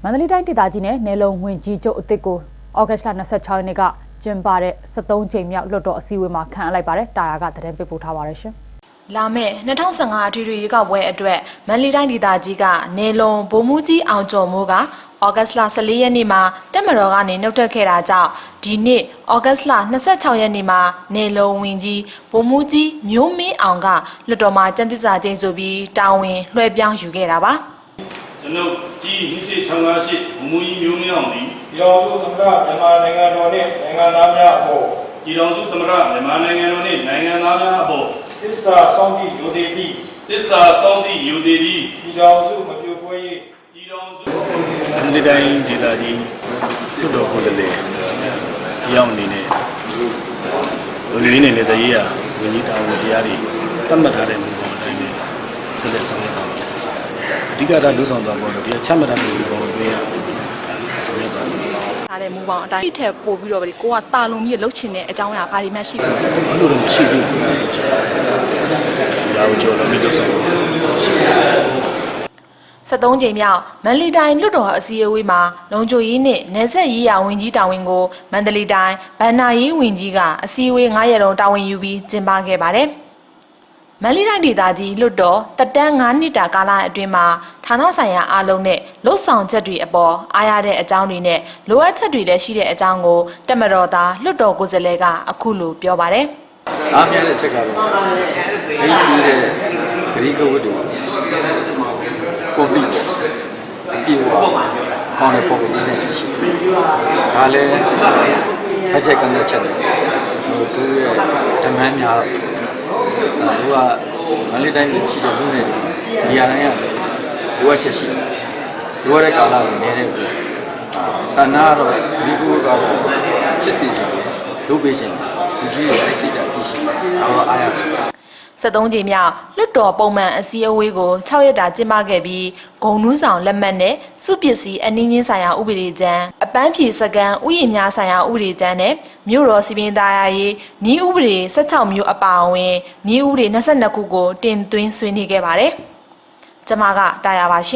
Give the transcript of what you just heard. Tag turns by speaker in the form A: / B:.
A: မန္တလေးတိုင်းဒေသကြီးနဲ့နယ်လုံဝင်ကြီးချုပ်အသစ်ကိုဩဂတ်လ26ရက်နေ့ကကျင်းပတဲ့73ကြိမ်မြောက်လွှတ်တော်အစည်းအဝေးမှာခန့်အပ်လိုက်ပါတယ်တာယာကသတင်းပေးပို့ထားပါတယ်ရှင်
B: လာမယ့်2015အထွေထွေရွေးကောက်ပွဲအတွက်မန္တလေးတိုင်းဒေသကြီးကနယ်လုံဗိုလ်မှူးကြီးအောင်ကျော်မိုးကဩဂတ်လ14ရက်နေ့မှာတက်မတော်ကနေနှုတ်ထွက်ခဲ့တာကြောင့်ဒီနေ့ဩဂတ်လ26ရက်နေ့မှာနယ်လုံဝင်ကြီးဗိုလ်မှူးကြီးမျိုးမင်းအောင်ကလွှတ်တော်မှာကျန်းသစ္စာကျိန်ဆိုပြီးတာဝန်လွှဲပြောင်းယူခဲ့တာပါ
C: ကျွန်ုပ်ကြီးဟင်းရှိချောင်းကားရှိဗိုလ်မှူးကြီးမျိုးမင်းအောင်သည်
D: ပြည်တော်စုသမ္မတမြန်မာနိုင်ငံတော်နှင့်နိုင်ငံသားများအပေါ်
C: ပြည်တော်စုသမ္မတမြန်မာနိုင်ငံတော်နှင့်နိုင်ငံသားများအပေါ်
D: သစ္စာစောင့်တည်ယူသည်ပြီး
C: သစ္စာစောင့်တည်ယူသည်ပြီး
D: ပြည်တော်စုမပြိုကွဲ၍
C: ပြည်တော်စုအန်ဒီတိုင်းဒေသကြီးလွှတ်တော်ကိုယ်စားလှယ်တရားအနေနဲ့လူကြီးနဲ့လက်စရေးရဝန်ကြီးတာဝန်တရားတွေသတ်မှတ်ထားတဲ့မူပေါ်အတိုင်းနဲ့ဆက်လက်ဆောင်ရွက်သွားပါအဓိကထားလူဆောင်သွားဖို့တော့ဒီချမှတ်ထားတဲ့မူပေါ်တွေဆောင်ရွက်သွား
B: ထားတဲ့မူပေါင်းအတိုင်းထက်ပို့ပြီးတော့ကိုကတာလုံကြီးလှုပ်ချင်တဲ့အကြောင်းအရာဘာတွေမှရှိဘူး
C: ။ဘာလို့လဲမရှိဘူး။ဒီအောင်ကျော်လုံးပြီးလှုပ်ဆောင်ရှိတယ်
B: 73ကြိမ်မြောက်မန္တလေးတိုင်းလွှတ်တော်အစည်းအဝေးမှာလုံခြုံရေးနှင့်နယ်စပ်ရေးရာဝန်ကြီးတာဝန်ကိုမန္တလေးတိုင်းဗန္နာရေးဝန်ကြီးကအစည်းအဝေး9ရက်လုံးတာဝန်ယူပြီးကျင်းပခဲ့ပါတယ်။မန္တလေးတိုင်းဒေသကြီးလွှတ်တော်တက်တန်း9နှစ်တာကာလအတွင်းမှာဌာနဆိုင်ရာအားလုံးနဲ့လှုပ်ဆောင်ချက်တွေအပေါ်အားရတဲ့အကြောင်းတွေနဲ့လိုအပ်ချက်တွေလည်းရှိတဲ့အကြောင်းကိုတက်မတော်သားလွှတ်တော်ကိုယ်စားလှယ်ကအခုလိုပြောပါတယ်
E: ။အားများတဲ့ချက်ကတော့အဲ့ဒီတဲ့ဂရိကဝတ်တွေကိုပြီးပြေဝကောင်းတဲ့ပုံစံနဲ့ရှိတယ်။ဒါလည်းအချက်ကနေချက်တယ်။သူရဲ့ဓမ္မများတော့သူကမန္တလေးတိုင်းရှိတဲ့လူတွေနေရာတိုင်းရတယ်လိုအပ်ချက်ရှိတယ်လိုအပ်တဲ့ကာလကိုနေတဲ့ဆန္ဒကတော့ဒီကူကတော့ဖြစ်စီခြင်းလုပ်ပေးခြင်းလူကြီးရဲ့အစိတ်ဓာတ်ဖြစ်ရှိတယ်တော့အားရတယ်
B: 73ကြိမ်မြောက်လွှတ်တော်ပုံမှန်အစည်းအဝေးကို6ရက်တာကျင်းပခဲ့ပြီးဂုံနူးဆောင်လက်မှတ်နဲ့စုပစ္စည်းအနည်းငင်းဆိုင်ရာဥပဒေကြမ်းအပန်းဖြေစကန်ဥယျာဉ်များဆိုင်ရာဥပဒေကြမ်းနဲ့မြို့တော်စီပင်သားရေးဤဥပဒေ16မျိုးအပါအဝင်ဤဥပဒေ22ခုကိုတင်သွင်းဆွေးနွေးခဲ့ပါတယ်။ကျွန်မကတာယာပါရှင်